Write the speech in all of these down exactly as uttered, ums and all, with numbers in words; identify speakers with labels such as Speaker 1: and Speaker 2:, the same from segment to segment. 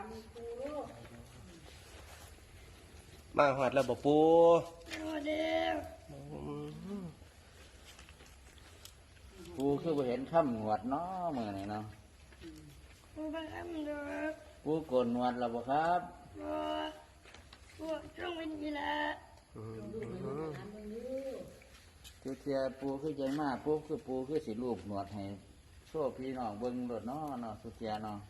Speaker 1: ามปูลูก
Speaker 2: มาหอดแล้วบ่ปู
Speaker 3: มาเด้อ
Speaker 4: ปูคือบ่เห็นค่ำหนวดเนาะมื้อนี้เนาะ
Speaker 3: ปูไปทำเด้อ
Speaker 4: ปูโกนหนวดแล้วบ่ครับ
Speaker 3: บ่ปูต้องเป็นกีฬา
Speaker 4: ทุกเที่ยปูคือใจมากปูคือปูคือสิรูปหนวดให้โชว์พี่น้องเบิ่งรถเนาะเนาะทุกเที่ยเนาะ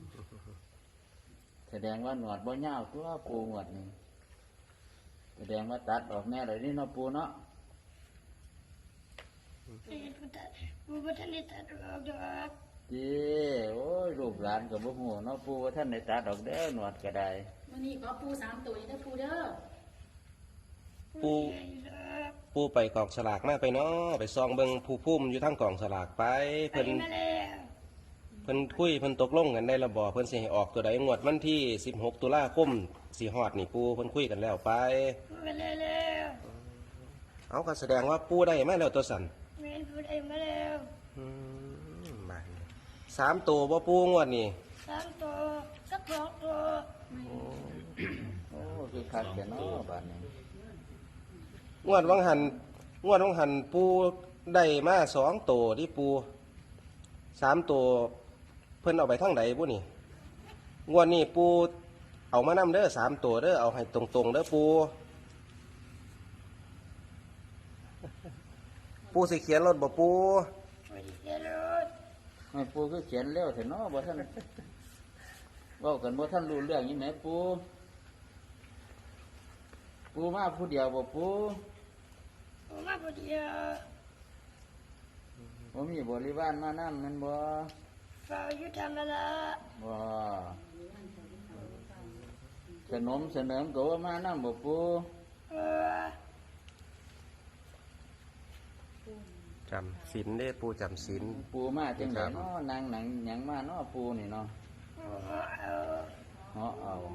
Speaker 4: แสดงว่าหนวดบ่ยาวตัวปูหนวดนี่แสดงว่าตัดออกแน่เลยนี่เนาะปูเนาะ
Speaker 3: ปูบ่ทันได้ตัดออกดอก
Speaker 4: จีโอ้ยลูกหลานกับบ่ฮู้เนาะปูว่าท่านได้ตัดออกเด้อหนวดก็ได้
Speaker 1: วันนี้ขอปูสามตัวอีกเด้อปูเด้อ
Speaker 2: ปูปูไปกองสลากมาไปเนาะไปซองเบิ่งผู้พุ่มอยู่ทั้งกองสลากไปเพิ่นเพิ่นคุยเพิ่นตกลงกันได้ระบ่เพิ่นสิให้ออกตัวใดงวดวันที่สิบหกตุลาคมสิฮอดนี่ปูเพิ่นคุยกันแล้วไป
Speaker 3: ไปแล้ว
Speaker 2: เอาก็แสดงว่าปูได้มาแล้วตัวสั่น
Speaker 3: แม่นปูได้มาแล้ว
Speaker 2: อืมมาสามตัวบ่ปูงวดนี่
Speaker 3: สามตัวสักสองตัว
Speaker 4: โอ้คือคักแก่เนาะบัดนี้
Speaker 2: งวดวังหันงวดวังหันปูได้มาสองตัวที่ปูสามตัวเพิ่นเอาไปทั้งใดปูนี่งวดนี้ปูเอามานำเด้อสามตัวเด้อเอาให้ตรงๆเด้อปูปูสิเขียนรถบ่ปู
Speaker 4: ไม่ปูคือเขียนเร็วเถอะเนาะบ่ท่านเว้ากันบ่ท่านรู้เรื่องนี่แหมปูปูมาผู้เดียวบ่ปู
Speaker 3: ปูมาผู้เดียว
Speaker 4: บ่มีบริวารมานำแม่นบ่
Speaker 3: เฝ้าอยู่ธรรมดา
Speaker 4: บ่ขนมเสนมก็ว่ามานำบ่ปู
Speaker 3: เออ
Speaker 2: จำศีลเด้ปูจำศีล
Speaker 4: ปูมาจังไดเนาะนางหนังหยังมาเนาะปูนี่เนาะเหาะเอา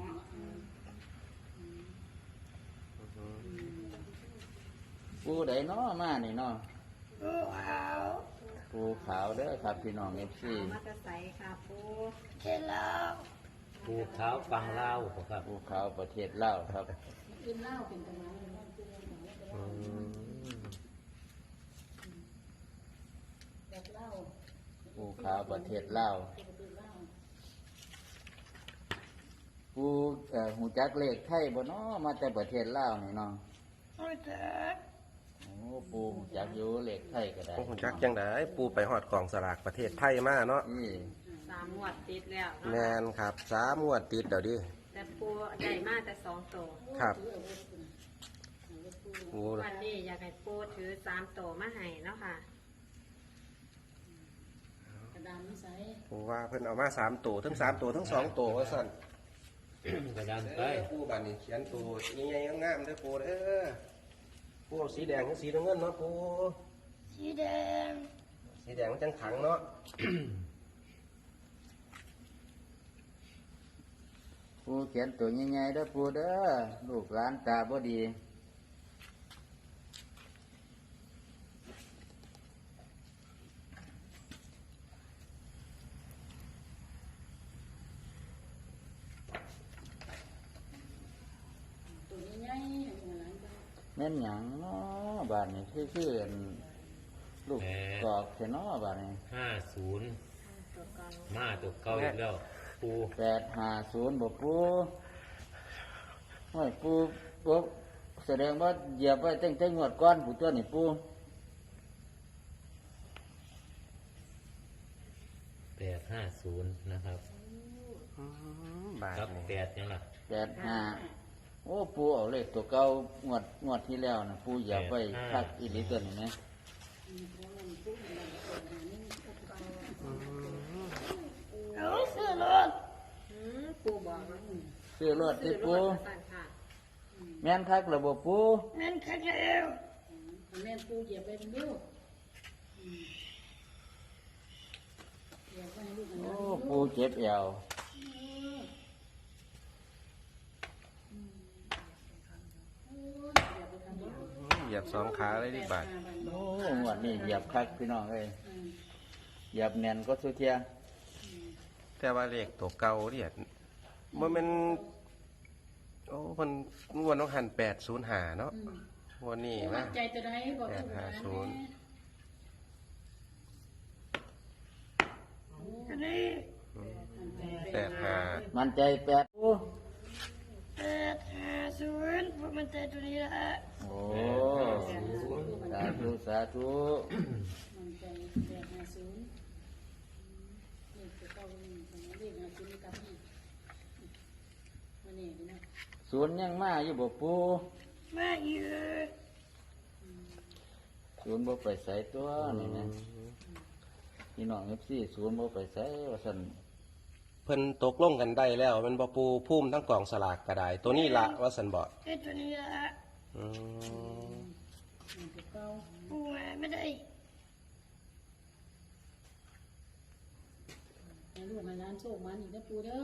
Speaker 4: ปูใดเนาะมานี่เนาะ
Speaker 3: ปูขาว
Speaker 4: ปูขาวเด้อครับพี่น้อง เอฟ ซี
Speaker 1: มาจะใส่ค่ะปู
Speaker 3: เทลาว
Speaker 5: ปูขาวฟังเล่าครับ
Speaker 4: ปูขาวประเทศลาวครับ
Speaker 1: กินเหล้าเป็นตะวัน
Speaker 4: ปูขาวประเทศลาวปูเอ่อหูจักเลขไทยบ่เนาะมาแต่ประเทศลาวนี่เนาะ
Speaker 3: หูจัก
Speaker 4: โอ้ปูหูจักอยู่เลขไทยก็ได้
Speaker 2: หูจักจังไดปูไปฮอดกองสลากประเทศไทยมาเนาะ
Speaker 4: นี่
Speaker 1: สามงวดติดแล้ว
Speaker 2: แม่นครับสามงวดติดเดี๋ยวดิ
Speaker 1: แต่ปูใหญ่มากแต่สองตัว
Speaker 2: ครับ
Speaker 1: วันนี้อยากให้ปูถือสามตัวมาให้เนาะค่ะกระดานไม่ใส่
Speaker 2: ปูว่าเพิ่นเอามาสามตัวทั้งสามตัวทั้งสองตัวว่าสั่น
Speaker 5: กระดานไป
Speaker 2: ปูบัดนี้เขียนตัวใหญ่ๆงามๆเด้อปูเด้อปูสีแดงกับสีน้ำเงินเนาะปู
Speaker 3: สีแดง
Speaker 2: สีแดงมันจังขังเนาะ
Speaker 4: ปูเขียนตัวใหญ่ๆเด้อปูเด้อลูกหลานตาบ่ดีแม่นหยังเนาะบาดนี้คือคือลูกกอกแค่เนาะบาดนี้
Speaker 5: ห้าศูนย์มาตัวเก่าอีกแล้วปู
Speaker 4: แปดห้าศูนย์บ่ปูโอ้ยปูปูแสดงว่าเหยียบไว้ตั้งแต่งวดก่อนผู้ตัวนี่ปู
Speaker 5: แปดห้าศูนย์นะครับครับแปดยังล่ะ
Speaker 4: แปดห้าโอ้ปูเอาเลขตัวเก่างวดงวดที่แล้วนะปูเหยียบไว้คักอีหลีตัวนี้ไหม
Speaker 3: เอาซื้อรถ
Speaker 1: ปูบอก
Speaker 4: ซื้อรถที่ปูแม่นคักระบบปู
Speaker 3: แม่นคักแล้ว
Speaker 1: แม่นปูเหยียบไปเป็นลูก
Speaker 4: โอ้ปูเจ็บเอว
Speaker 2: เหยียบสองขาเลยดิบาท
Speaker 4: โอ้หวดนี่เหยียบคักพี่น้องเลยเหยียบแน่นก็สุดเทีย
Speaker 2: แต่ว่าเลขตัวเก่าเนี่ยบ่แม่นโอ้เพิ่นงวดน้องหันแปดศูนย์ห้าเนาะงวดนี้
Speaker 6: มั่
Speaker 2: นะ
Speaker 6: นใจตัวใดบอก
Speaker 2: แปดห้าศูนย์
Speaker 3: ตัวนี้
Speaker 2: แปดห้า
Speaker 4: มันใจแปดปู
Speaker 3: แปดห้าศูนย์ผมมันใจตัวนี้ละ
Speaker 4: โอ้สาธุสาธุ
Speaker 6: มั่นใจแปดห้าศูนย์เลขตัวเก้าเลขห้าศูนย์กับนี่วันนี้นะ
Speaker 4: ศูนย์ยังมาอยู่บ่ปู
Speaker 3: มาเยอะ
Speaker 4: ศูนย์บ่ไปใส่ตัวนี่นะพี่น้องเอฟซีศูนย์บ่ไปใส่ว่าซั่น
Speaker 2: เพิ่นตกลงกันได้แล้วมันบ่ปูพุ่มทั้งกล่องสลากก็ได้ ตัวนี้ละว่าสันบ่
Speaker 3: ไอ้ตัวนี้ละ
Speaker 2: อืม
Speaker 6: ตัวเก้า
Speaker 3: ปูมาไม่ได้
Speaker 6: ให้ลูกให้หลานโชคมันอีกนะปูเด้อ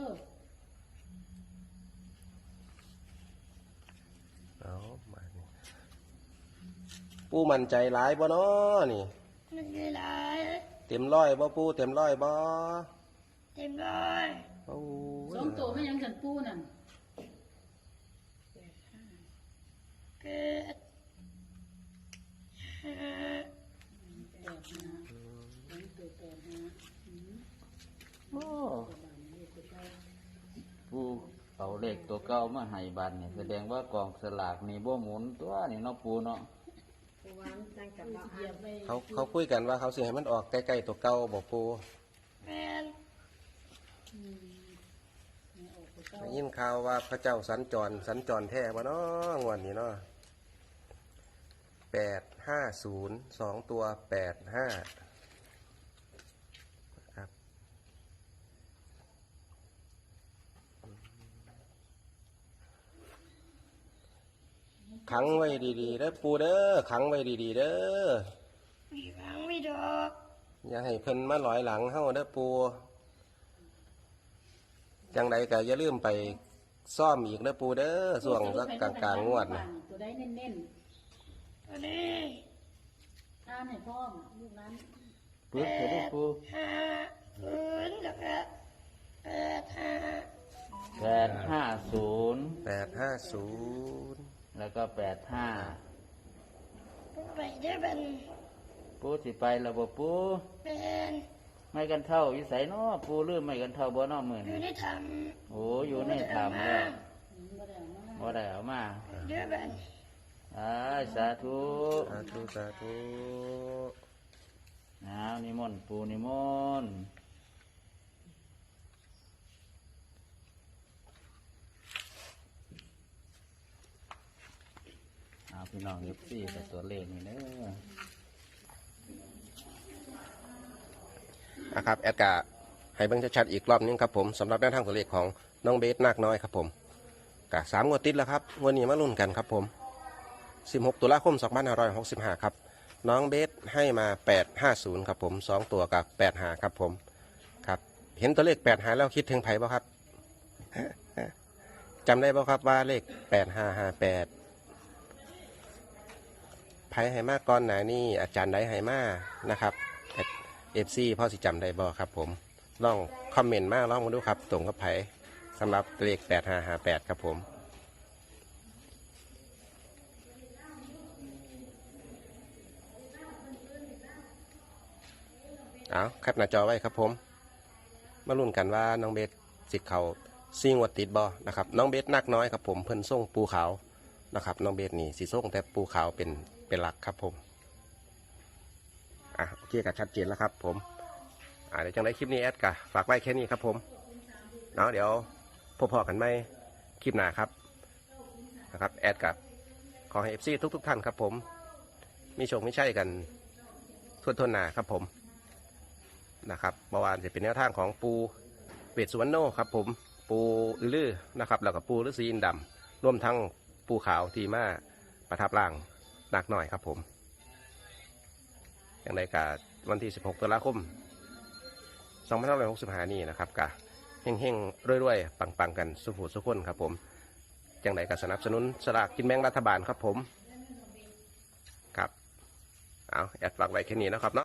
Speaker 2: เอามานี่ปูมั่นใจหลายบ่เนาะนี่
Speaker 3: มันเวลา
Speaker 2: เต็มร้อยบ่ปูเต็มร้อยบ่
Speaker 3: เต็มร้อย
Speaker 2: โอ้ย
Speaker 6: สองตัวไม่ยังสันปูนั่น
Speaker 3: เกิดห้า
Speaker 6: แปดห้าสองตัวแปดห้า
Speaker 4: โอ้ปูเอาเลขตัวเก่ามาให้บัดนี่แสดงว่ากองสลากนี่บ่หมุนตัวนี่เนาะปูเนาะ
Speaker 1: ปูวางตั้งกับบ่
Speaker 6: เหยียบไป
Speaker 2: เขาเขาคุยกันว่าเขาสิให้มันออกใกล้ๆตัวเก่าบ่ปู
Speaker 3: แมน
Speaker 6: ออกตัวเก้า
Speaker 2: ได้ยินข่าวว่าพระเจ้าสัญจรสัญจรแท้บ่เนาะงวดนี้เนาะแปดห้าศูนย์สองตัวแปดห้าครับขังไว้ดีๆเด้อปูเด้อขังไว้ดีๆเด้อ
Speaker 3: มีฟังไม่ดอก
Speaker 2: อย่าให้เพิ่นมาหลอยหลังเฮาเด้อปูจังใดก็อย่าลืมไปซ่อมอีกเด้อปูเด้อส่วงสักกลางๆงวดนะ
Speaker 6: ตัวได้เน้น
Speaker 3: ตัวนี้
Speaker 6: ๆอ่านให้พร้อมลูกนั้น
Speaker 4: ปึ๊บเถอะเด้อปู
Speaker 3: ห้าศูนย์แล้วก็แปดห้า
Speaker 4: แปดห้าศูนย์
Speaker 2: แปดห้าศูนย์
Speaker 4: แล้วก็แปดห้า
Speaker 3: ปูไปเด้อบัน
Speaker 4: ปูสิไปแล้วบ่ปู
Speaker 3: เป็น
Speaker 4: ไม่กันเท่าอยู่ไสเนาะปูลืมไม่กันเท่าบ่เนาะมื้อ
Speaker 3: อยู่
Speaker 4: นี้
Speaker 3: ในถ้
Speaker 4: โอ้อยู่ในถ้ำแล้ว
Speaker 6: บ่ได้เอามา
Speaker 4: บ่ได้เอามา
Speaker 3: ำเด้อบัน
Speaker 4: อ้ายสาธุ
Speaker 2: สาธุสาธุ
Speaker 4: อ้าวนิมนต์ปูนิมนต์เอาพี่น้องเอฟซีกับตัวเลขนี่เด้อ
Speaker 2: นะครับแอดกาให้เบิ่งชัดๆอีกรอบนึงครับผมสำหรับแนวทางตัวเลขของน้องเบสนาคน้อยครับผมกะสามงวดติดแล้วครับวันนี้มาลุ้นกันครับผมสิบหกตุลาคมสองพันห้าร้อยหกสิบห้าครับน้องเบสให้มาแปดห้าศูนย์ครับผมสองตัวกับแปดห้าครับผมครับเห็นตัวเลขแปดห้าแล้วคิดถึงไผ่บ่ครับ จำได้บ่ครับว่าเลขแปดห้าห้าแปดไผ่ให้มาก่อนหนานี่อาจารย์ได้ให้มานะครับเอฟซีพ่อสิจำได้บ่ครับผมลองคอมเมนต์มาลองมาดูครับตรงกับไผ่สำหรับเลขแปดห้าห้าแปดครับผมเอาแคปหน้าจอไว้ครับผมมาลุ้นกันว่าน้องเบสสิเขาซิงวัดติดบอนะครับน้องเบสนักน้อยครับผมเพิ่นส่งปูขาวนะครับน้องเบสนี่สีส่งแต่ปูขาวเป็นเป็นหลักครับผมอ่ะโอเคกับชัดเจนแล้วครับผมอ่าเดี๋ยวจังได้คลิปนี้แอดกะฝากไว้แค่นี้ครับผมเนาะเดี๋ยวพบพอกันไหมคลิปหน้าครับนะครับแอดกับขอให้เอฟซีทุกทุกๆท่านครับผมมีโชคไม่ใช่กันทั่วทนหนาครับผมนะครับเมื่อวานจะเป็นแนวทางของปูเป็ดสุวรรณโนครับผมปูอือลือนะครับแล้วก็ปูฤาษีอินดำรวมทั้งปูขาวทีมาประทับร่างหนักหน่อยครับผมอย่างไรกับวันที่สิบหกตุลาคมสองพันห้าร้อยหกสิบห้านี่นะครับกะเฮงๆรวยๆปังๆกันสุขุสุขคนครับผมอย่างไรกับสนับสนุนสลากกินแบ่งรัฐบาลครับผมครับเอาแอดฝากไว้แค่นี้นะครับเนาะ